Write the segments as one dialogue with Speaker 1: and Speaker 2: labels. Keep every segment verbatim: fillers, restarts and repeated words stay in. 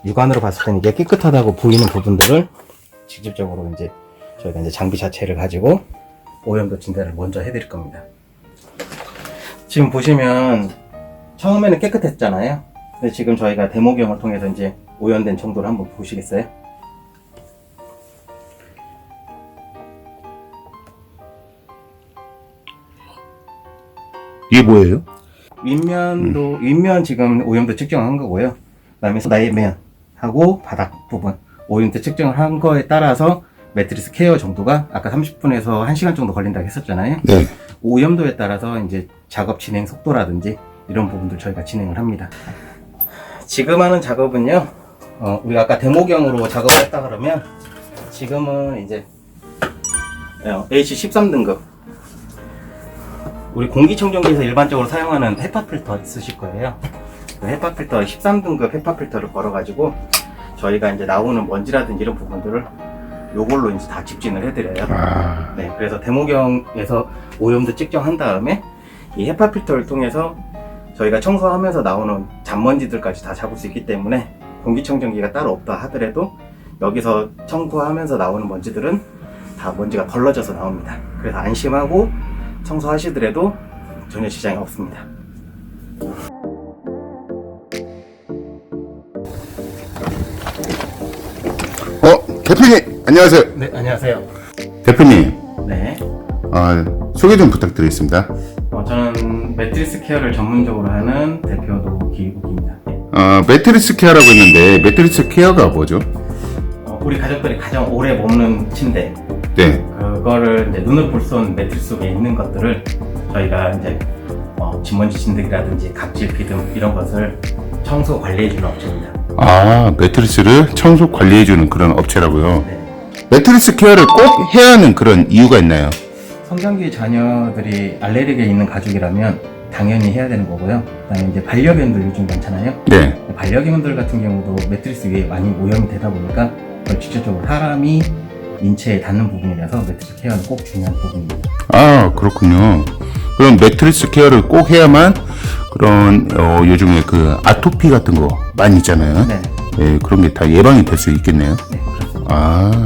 Speaker 1: 육안으로 봤을 때는 이게 깨끗하다고 보이는 부분들을 직접적으로 이제 저희가 이제 장비 자체를 가지고 오염도 진단을 먼저 해드릴 겁니다. 지금 보시면 처음에는 깨끗했잖아요. 근데 지금 저희가 데모경을 통해서 이제 오염된 정도를 한번 보시겠어요?
Speaker 2: 이게 뭐예요?
Speaker 1: 윗면도 음. 윗면 지금 오염도 측정한 거고요. 그다음에 내면하고 바닥 부분 오염도 측정을 한 거에 따라서 매트리스 케어 정도가 아까 삼십 분에서 한 시간 정도 걸린다고 했었잖아요.
Speaker 2: 네.
Speaker 1: 오염도에 따라서 이제 작업 진행 속도라든지 이런 부분들 저희가 진행을 합니다. 지금 하는 작업은요, 어, 우리가 아까 데모경으로 작업을 했다 그러면 지금은 이제 에이치 십삼 등급 우리 공기청정기에서 일반적으로 사용하는 헤파 필터 쓰실 거예요. 그 헤파 필터 십삼 등급 헤파 필터를 걸어가지고 저희가 이제 나오는 먼지라든지 이런 부분들을 요걸로 이제 다 집진을 해드려요.
Speaker 2: 아...
Speaker 1: 네, 그래서 데모경에서 오염도 측정한 다음에 이 헤파 필터를 통해서 저희가 청소하면서 나오는 잔먼지들까지 다 잡을 수 있기 때문에 공기청정기가 따로 없다 하더라도 여기서 청소하면서 나오는 먼지들은 다 먼지가 걸러져서 나옵니다. 그래서 안심하고 청소하시더라도 전혀 지장이 없습니다.
Speaker 2: 어, 대표님 안녕하세요.
Speaker 1: 네, 안녕하세요.
Speaker 2: 대표님,
Speaker 1: 네,
Speaker 2: 아, 소개 좀 부탁드리겠습니다.
Speaker 1: 어, 저는 매트리스 케어를 전문적으로 하는 대표도 기국입니다.
Speaker 2: 어, 매트리스 케어라고 했는데 매트리스 케어가 뭐죠?
Speaker 1: 어, 우리 가족들이 가장 오래 머무는 침대,
Speaker 2: 네.
Speaker 1: 그거를 이제 눈을 볼 수 없는 매트리스 속에 있는 것들을 저희가 이제 어, 진먼지 진드기라든지 각질 비듬 이런 것을 청소 관리해주는 업체입니다.
Speaker 2: 아, 매트리스를 청소 관리해주는 그런 업체라고요.
Speaker 1: 네.
Speaker 2: 매트리스 케어를 꼭 해야 하는 그런 이유가 있나요?
Speaker 1: 성장기 자녀들이 알레르기가 있는 가족이라면 당연히 해야 되는 거고요. 그다음에 이제 반려견들 요즘 많잖아요.
Speaker 2: 네.
Speaker 1: 반려견들 같은 경우도 매트리스 위에 많이 오염이 되다 보니까 그걸 직접적으로 사람이 인체에 닿는 부분이라서 매트리스 케어는 꼭 중요한 부분입니다.
Speaker 2: 아, 그렇군요. 그럼 매트리스 케어를 꼭 해야만 그런 어, 요즘에 그 아토피 같은 거 많이 있잖아요.
Speaker 1: 네.
Speaker 2: 예, 그런 게 다 예방이 될 수 있겠네요.
Speaker 1: 네, 그렇습니다.
Speaker 2: 아,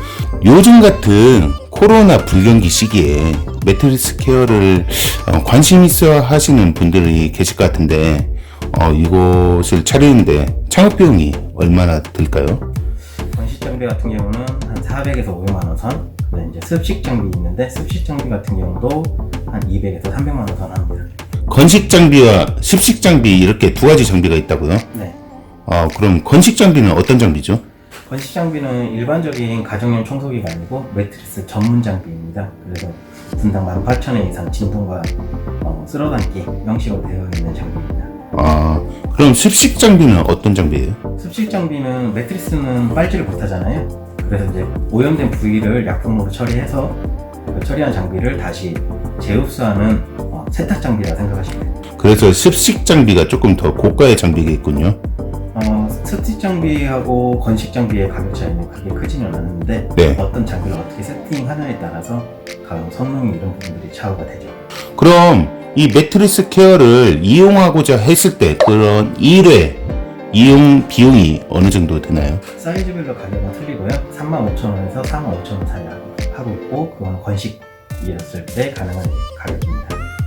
Speaker 2: 요즘 같은 코로나 불경기 시기에 매트리스 케어를 어, 관심 있어 하시는 분들이 계실 것 같은데 어, 이곳을 차리는데 창업 비용이 얼마나 들까요?
Speaker 1: 건식 장비 같은 경우는 한 사백에서 오백만 원 선. 그다음에 이제 습식 장비 있는데 습식 장비 같은 경우도 한 이백에서 삼백만 원 선 합니다.
Speaker 2: 건식 장비와 습식 장비 이렇게 두 가지 장비가 있다고요?
Speaker 1: 네.
Speaker 2: 아, 그럼 건식 장비는 어떤 장비죠?
Speaker 1: 건식 장비는 일반적인 가정용 청소기가 아니고 매트리스 전문 장비입니다. 그래서 분당 만 팔천 원 이상 진동과 어, 쓸어담기 형식으로 되어 있는 장비입니다.
Speaker 2: 아, 그럼 습식 장비는 어떤 장비예요?
Speaker 1: 습식 장비는 매트리스는 빨지를 못하잖아요. 그래서 이제 오염된 부위를 약품으로 처리해서 그 처리한 장비를 다시 재흡수하는 어, 세탁 장비라 생각하시면 돼요.
Speaker 2: 그래서 습식 장비가 조금 더 고가의 장비겠군요.
Speaker 1: 어, 습식 장비하고 건식 장비의 가격 차이는 크게 크지는 않는데
Speaker 2: 네.
Speaker 1: 어떤 장비를 어떻게 세팅하느냐에 따라서 가격 성능 이런 부분들이 차이가 되죠.
Speaker 2: 그럼 이 매트리스 케어를 이용하고자 했을 때 그런 일 회 이용 비용이 어느 정도 되나요?
Speaker 1: 사이즈별로 가격은 틀리고요. 삼만 오천 원에서 사만 오천 원 사이 하고 있고 그건 건식이었을 때 가능한 가격입니다.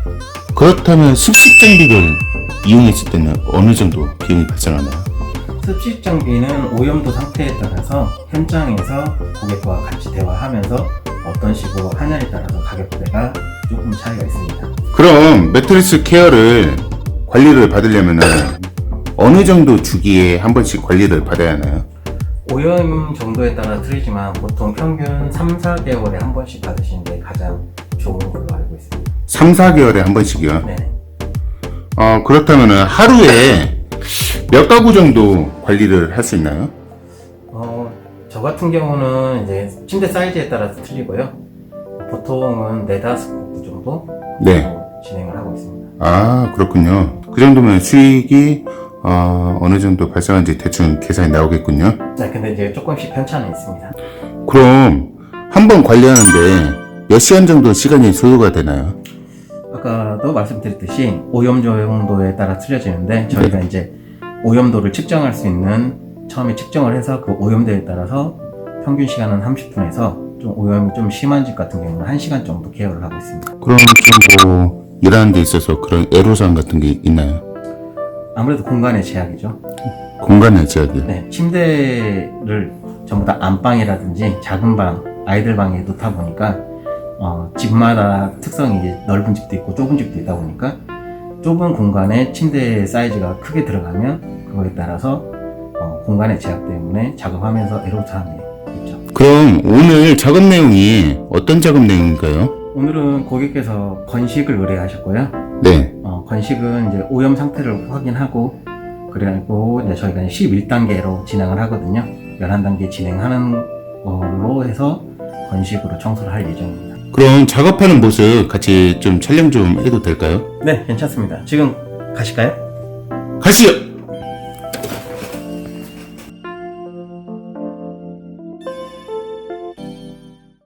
Speaker 2: 그렇다면 습식 장비를 이용했을 때는 어느 정도 비용이 발생하나요?
Speaker 1: 습식 장비는 오염도 상태에 따라서 현장에서 고객과 같이 대화하면서 어떤 식으로 하냐에 따라서 가격대가 조금 차이가 있습니다.
Speaker 2: 그럼 매트리스 케어를 관리를 받으려면 어느 정도 주기에 한 번씩 관리를 받아야 하나요?
Speaker 1: 오염 정도에 따라 틀리지만 보통 평균 삼, 사 개월에 한 번씩 받으시는 게 가장 좋은 걸로 알고 있습니다.
Speaker 2: 삼, 사 개월에 한 번씩이요?
Speaker 1: 네.
Speaker 2: 어, 그렇다면 하루에 몇 가구 정도 관리를 할 수 있나요?
Speaker 1: 어, 저 같은 경우는 이제 침대 사이즈에 따라서 틀리고요. 보통은 네다섯 가구 정도
Speaker 2: 네.
Speaker 1: 진행을 하고 있습니다.
Speaker 2: 아, 그렇군요. 그 정도면 수익이 어, 어느 정도 발생한지 대충 계산이 나오겠군요.
Speaker 1: 네, 근데 이제 조금씩 편차는 있습니다.
Speaker 2: 그럼 한 번 관리하는데 몇 시간 정도 시간이 소요가 되나요?
Speaker 1: 아까도 말씀드렸듯이 오염 정도에 따라 틀려지는데 저희가 이제 오염도를 측정할 수 있는 처음에 측정을 해서 그 오염도에 따라서 평균 시간은 삼십 분에서 좀 오염이 좀 심한 집 같은 경우는 한 시간 정도 케어를 하고 있습니다.
Speaker 2: 그럼 좀뭐 일하는 데 있어서 그런 애로사항 같은 게 있나요?
Speaker 1: 아무래도 공간의 제약이죠.
Speaker 2: 공간의 제약이요?
Speaker 1: 네, 침대를 전부 다 안방이라든지 작은 방, 아이들 방에 놓다 보니까 어, 집마다 특성이 이제 넓은 집도 있고 좁은 집도 있다 보니까 좁은 공간에 침대 사이즈가 크게 들어가면 그거에 따라서 어, 공간의 제약 때문에 작업하면서 애로사항이 있죠.
Speaker 2: 그럼 오늘 작업 내용이 어떤 작업 내용인가요?
Speaker 1: 오늘은 고객께서 건식을 의뢰하셨고요.
Speaker 2: 네.
Speaker 1: 어, 건식은 이제 오염 상태를 확인하고 그래고 이제 저희가 이제 십일 단계로 진행을 하거든요. 열한 단계 진행하는 걸로 해서 건식으로 청소를 할 예정입니다.
Speaker 2: 그럼 작업하는 모습 같이 좀 촬영 좀 해도 될까요?
Speaker 1: 네, 괜찮습니다. 지금 가실까요?
Speaker 2: 가시죠!